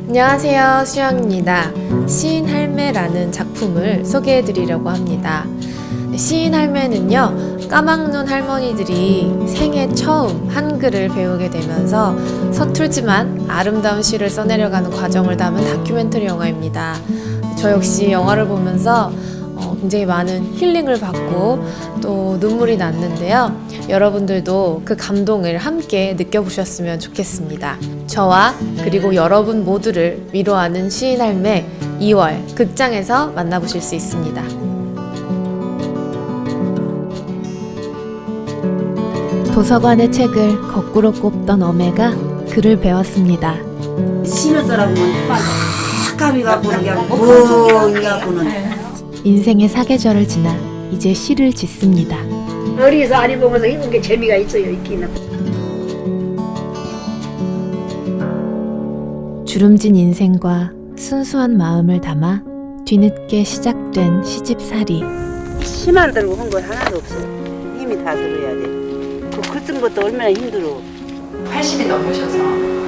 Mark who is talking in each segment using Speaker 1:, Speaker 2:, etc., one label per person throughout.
Speaker 1: 안녕하세요, 수영입니다. 시인 할매라는 작품을 소개해 드리려고 합니다. 시인 할매는요, 까막눈 할머니들이 생애 처음 한글을 배우게 되면서 서툴지만 아름다운 시를 써내려가는 과정을 담은 다큐멘터리 영화입니다. 저 역시 영화를 보면서 굉장히 많은 힐링을 받고 또 눈물이 났는데요. 여러분들도 그 감동을 함께 느껴보셨으면 좋겠습니다. 저와 그리고 여러분 모두를 위로하는 시인 할매 2월 극장에서 만나보실 수 있습니다. 도서관의 책을 거꾸로 꼽던 어메가 글을 배웠습니다.
Speaker 2: 시를 써라보면 까비가 보는 게 아니고 뭐가 보는
Speaker 1: 인생의 사계절을 지나 이제 시를 짓습니다.
Speaker 2: 어리서 아리 보면서 읽는 게 재미가 있어요. 있기는.
Speaker 1: 주름진 인생과 순수한 마음을 담아 뒤늦게 시작된 시집살이.
Speaker 2: 시만 들고 한 거 하나도 없어. 힘이 다 들어야 돼. 그 쓴 것도 얼마나 힘들어.
Speaker 3: 80이 넘으셔서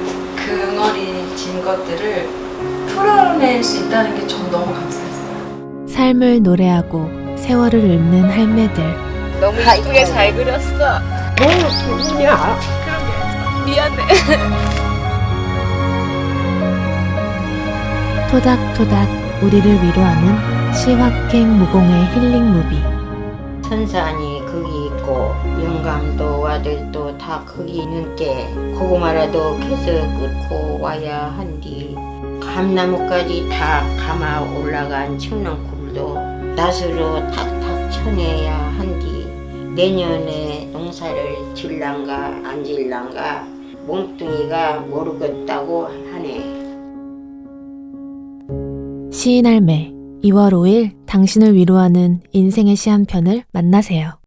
Speaker 3: 근어리진 것들을 풀어낼 수 있다는 게 전 너무 감사했어요.
Speaker 1: 삶을 노래하고 세월을 읊는 할매들.
Speaker 3: 너무 이쁘게 잘 그렸어.
Speaker 2: 뭐 기분이야.
Speaker 3: 미안해.
Speaker 1: 토닥토닥 우리를 위로하는 시확행 무공의 힐링 무비.
Speaker 4: 선산이 거기 있고 영감도 아들도 다 거기 있는 게 고구마라도 캐서 끓고 와야 한디 감나무까지 다 감아 올라간 청렁굴도 낫으로 탁탁 쳐내야 한디 내년에 농사를 질란가 안 질란가 몸뚱이가 모르겠다고 하네.
Speaker 1: 시인 할매 2월 5일 당신을 위로하는 인생의 시 한 편을 만나세요.